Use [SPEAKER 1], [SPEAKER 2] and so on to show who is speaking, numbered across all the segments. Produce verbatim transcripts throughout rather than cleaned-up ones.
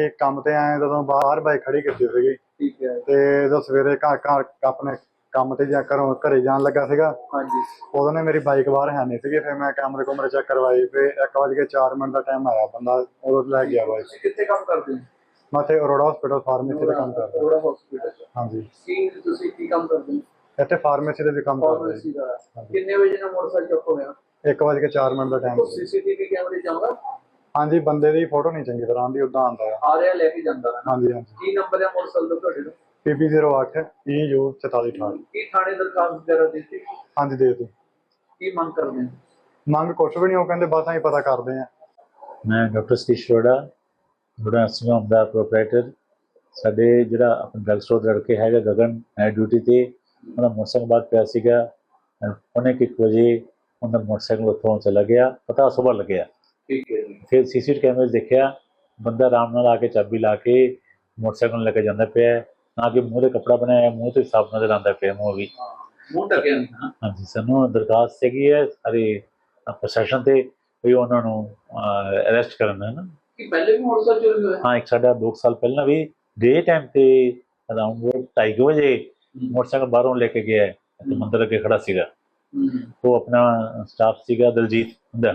[SPEAKER 1] ਅਸੀਂ ਕੰਮ ਤੇ ਆਏ ਜਦੋਂ ਬਾਹਰ ਬਾਈਕ ਖੜੀ ਕੀਤੀ ਸੀਗੀ
[SPEAKER 2] ਠੀਕ ਹੈ
[SPEAKER 1] ਤੇ ਜਦੋਂ ਸਵੇਰੇ ਘਰ ਘਰ ਆਪਣੇ ਕੰਮ ਤੇ ਜਾ ਘਰੋਂ ਘਰੇ ਜਾਣ ਲੱਗਾ ਸੀਗਾ
[SPEAKER 2] ਹਾਂਜੀ
[SPEAKER 1] ਉਦੋਂ ਨੇ ਮੇਰੀ ਬਾਈਕ ਬਾਹਰ ਹੈ ਨਹੀਂ ਸੀਗੀ। ਫਿਰ ਮੈਂ ਕੈਮਰੇ ਕੁਮਰੇ ਚੈੱਕ ਕਰਵਾਈ, ਫਿਰ ਇੱਕ ਵਜ ਕੇ ਚਾਰ ਮਿੰਟ ਦਾ ਟਾਈਮ ਆਇਆ, ਬੰਦਾ ਉਦੋਂ ਲੈ ਗਿਆ ਬਾਈਕ।
[SPEAKER 2] ਤੁਸੀਂ ਕਿੱਥੇ ਕੰਮ ਕਰਦੇ ਹੋ?
[SPEAKER 1] ਮੈਂ ਇੱਥੇ ਅਰੋੜਾ ਹਸਪੀਟਲ ਫਾਰਮੇਸੀ ਦਾ ਕੰਮ ਕਰਦਾ।
[SPEAKER 2] ਅਰੋੜਾ ਹਸਪੀਟਲ
[SPEAKER 1] ਹਾਂਜੀ,
[SPEAKER 2] ਕੀ ਤੁਸੀਂ ਕੀ ਕੰਮ ਕਰਦੇ ਹੋ?
[SPEAKER 1] ਇੱਥੇ ਫਾਰਮੇਸੀ ਦੇ ਵੀ ਕੰਮ ਕਰਦਾ
[SPEAKER 2] ਫਾਰਮੇਸੀ
[SPEAKER 1] ਜੀ।
[SPEAKER 2] ਦਾ ਕਿੰਨੇ ਵਜੇ ਨਾਲ ਮੋਟਰਸਾਈਕਲ ਚੁੱਕ ਹੋਇਆ?
[SPEAKER 1] ਇੱਕ ਵਜ ਕੇ ਚਾਰ ਮਿੰਟ ਦਾ ਟਾਈਮ।
[SPEAKER 2] ਸੀਸੀਟੀਵੀ ਕੈਮਰੇ ਚਾਹੁੰਦਾ?
[SPEAKER 1] ਹਾਂਜੀ, ਬੰਦੇ ਦੀ ਫੋਟੋ ਨਹੀਂ ਚੰਗੀ ਤਰ੍ਹਾਂ ਆਉਂਦੀ, ਉਦਾਂ ਆਉਂਦਾ ਆ।
[SPEAKER 2] ਆ ਰਿਹਾ ਲੈ ਕੇ ਜਾਂਦਾ ਹੈ?
[SPEAKER 1] ਹਾਂਜੀ ਹਾਂਜੀ।
[SPEAKER 2] ਕੀ ਨੰਬਰ ਹੈ ਮੋਟਰਸਾਈਕਲ ਦਾ ਤੁਹਾਡੇ ਦਾ?
[SPEAKER 1] ਪੀ ਪੀ ਜ਼ੀਰੋ ਅੱਠ ਈ ਯੂ ਚੁਤਾਲੀ ਅਠਾਹਠ।
[SPEAKER 2] ਕੀ ਥਾਣੇ ਦਰਖਾਸਤ ਵਗੈਰਾ ਦਿੱਤੀ?
[SPEAKER 1] ਹਾਂਜੀ ਦੇ ਦਿਓ।
[SPEAKER 2] ਕੀ ਮੰਗ ਕਰਦੇ ਹੋ?
[SPEAKER 1] ਮੰਗ ਕੁਛ ਵੀ ਨਹੀਂ, ਉਹ ਕਹਿੰਦੇ ਬਸ ਅਸੀਂ ਪਤਾ ਕਰਦੇ ਹਾਂ।
[SPEAKER 3] ਮੈਂ ਡਾਕਟਰ ਸਤੀਸ਼ ਅਰੋੜਾ, ਅਰੋੜਾ ਨਰਸਿੰਗ ਦਾ ਪ੍ਰੋਪਰਾਈਟਰ। ਸਾਡੇ ਜਿਹੜਾ ਆਪਣਾ ਡਰੱਗ ਸਟੋਰ ਦਾ ਲੜਕੇ ਹੈਗਾ ਗਗਨ ਹੈ ਡਿਊਟੀ ਤੇ, ਉਹਦਾ ਮੋਟਰਸਾਈਕਲ ਬਾਅਦ ਪਿਆ ਸੀਗਾ। ਪੌਣੇ ਕੁ ਇੱਕ ਵਜੇ ਉਹਦਾ ਮੋਟਰਸਾਈਕਲ ਉੱਥੋਂ ਚਲਾ ਗਿਆ, ਪਤਾ ਸੁਬਾਹ ਲੱਗਿਆ।
[SPEAKER 2] ਠੀਕ ਹੈ ਜੀ।
[SPEAKER 3] ਫਿਰ ਸੀ ਸੀ ਟੀ ਕੈਮਰੇ ਦੇਖਿਆ, ਬੰਦਾ ਆਰਾਮ ਨਾਲ ਆ ਕੇ ਚਾਬੀ ਲਾ ਕੇ ਮੋਟਰਸਾਈਕਲ ਨੂੰ ਲੈ ਕੇ ਜਾਂਦਾ ਪਿਆ, ਨਾ ਕਿ ਮੂੰਹ 'ਤੇ ਕੱਪੜਾ ਬਣਾਇਆ, ਮੂੰਹ 'ਤੇ ਸਾਫ਼ ਨਜ਼ਰ ਆਉਂਦਾ ਪਿਆ ਮੂੰਹ ਵੀ।
[SPEAKER 2] ਮੂੰਹ ਢੱਕਿਆ ਨਹੀਂ?
[SPEAKER 3] ਹਾਂਜੀ, ਸਾਨੂੰ ਦਰਖਾਸਤ ਹੈਗੀ ਹੈ ਸਾਰੇ ਪ੍ਰਸ਼ਾਸਨ 'ਤੇ ਵੀ ਉਹਨਾਂ ਨੂੰ ਅਰੈਸਟ ਕਰਨ ਹੈ ਨਾ।
[SPEAKER 2] ਕਿ ਪਹਿਲੇ ਵੀ ਮੋਟਰਸਾਈਕਲ ਚੋਰੀ ਹੋਇਆ?
[SPEAKER 3] ਹਾਂ, ਇੱਕ ਸਾਡਾ ਦੋ ਸਾਲ ਪਹਿਲਾਂ ਵੀ ਡੇ ਟਾਈਮ ਤੇ ਅਰਾਊਂਡ ਢਾਈ ਕੁ ਵਜੇ ਮੋਟਰਸਾਈਕਲ ਬਾਹਰੋਂ ਲੈ ਕੇ ਗਿਆ ਤੇ ਮੰਦਰ ਅੱਗੇ ਖੜਾ ਸੀਗਾ। ਉਹ ਆਪਣਾ ਸਟਾਫ ਸੀਗਾ ਦਲਜੀਤ ਹੁੰਦਾ।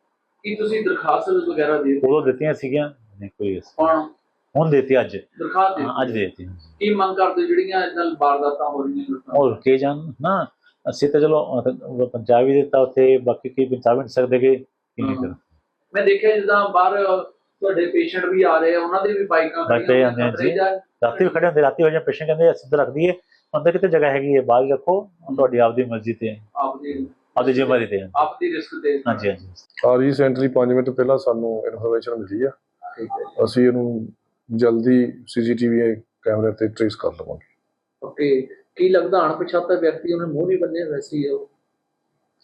[SPEAKER 2] ਕੀ ਤੁਸੀਂ ਦਰਖਾਸਤ ਵਗੈਰਾ ਦੇ
[SPEAKER 3] ਉਦੋਂ ਦਿੱਤੀਆਂ ਸੀਗੀਆਂ? ਨਹੀਂ ਕੋਈ।
[SPEAKER 2] ਕੌਣ? ਹੁਣ
[SPEAKER 3] ਦਿੱਤੀ ਅੱਜ
[SPEAKER 2] ਦਰਖਾਸਤ ਦੇ?
[SPEAKER 3] ਅੱਜ ਦੇ ਦਿੱਤੀ।
[SPEAKER 2] ਕੀ ਮੰਗ ਕਰਦੇ ਜਿਹੜੀਆਂ ਇਦਾਂ ਵਾਰਦਾਤਾਂ ਹੋ ਰਹੀਆਂ?
[SPEAKER 3] ਉਹ ਰੁਕੇ ਜਾਣ ਨਾ। ਅਸੀਂ ਤਾਂ ਚਲੋ ਪੰਜਾਬ ਹੀ ਦਿੱਤਾ ਉੱਥੇ, ਬਾਕੀ ਕੀ ਪੰਜਾਬ ਨਹੀਂ ਸਕਦੇ ਕਿ ਕੀ ਨਹੀਂ ਕਰ।
[SPEAKER 2] ਮੈਂ ਦੇਖਿਆ ਜਿੱਦਾਂ ਬਾਹਰ ਤੁਹਾਡੇ ਪੇਸ਼ੈਂਟ ਵੀ ਆ ਰਹੇ ਆ, ਉਹਨਾਂ ਦੇ ਵੀ ਬਾਈਕਾਂ
[SPEAKER 3] ਖੜੀਆਂ ਹੁੰਦੀਆਂ ਜੀ, ਰਾਤੀ ਵੀ ਖੜੇ ਹੁੰਦੇ। ਰਾਤੀ ਹੋ ਜਾਂ ਪੇਸ਼ੈਂਟ ਕਹਿੰਦੇ ਅਸੀਂ ਤਾਂ ਰੱਖ ਦਈਏ, ਅੰਦਰ ਕਿਤੇ ਜਗ੍ਹਾ ਹੈਗੀ ਹੈ, ਬਾਹਰ ਰੱਖੋ, ਤੁਹਾਡੀ ਆਪਦੀ ਮਰਜ਼ੀ ਤੇ
[SPEAKER 2] ਆਪਦੀ
[SPEAKER 3] ਆਪਦੀ ਜ਼ਿੰਮੇਵਾਰੀ ਤੇ
[SPEAKER 2] ਆਪਦੀ ਰਿਸਕ ਤੇ।
[SPEAKER 3] ਹਾਂਜੀ ਹਾਂਜੀ।
[SPEAKER 4] ਆ ਰੀਸੈਂਟਲੀ ਪੰਜ ਮਿੰਟ ਪਹਿਲਾਂ ਸਾਨੂੰ ਇਨਫੋਰਮੇਸ਼ਨ ਮਿਲੀ ਆ, ਅਸੀਂ ਇਹਨੂੰ ਜਲਦੀ ਸੀਸੀਟੀਵੀ ਕੈਮਰੇ ਤੇ ਟ੍ਰੇਸ ਕਰ ਲਵਾਂਗੇ।
[SPEAKER 2] ਓਕੇ, ਕੀ ਲੱਗਦਾ ਅਣਪਛਾਤਾ ਵਿਅਕਤੀ ਉਹਨੇ ਮੂੰਹ ਨਹੀਂ ਬੰਨਿਆ ਵੈਸੇ ਹੀ ਉਹ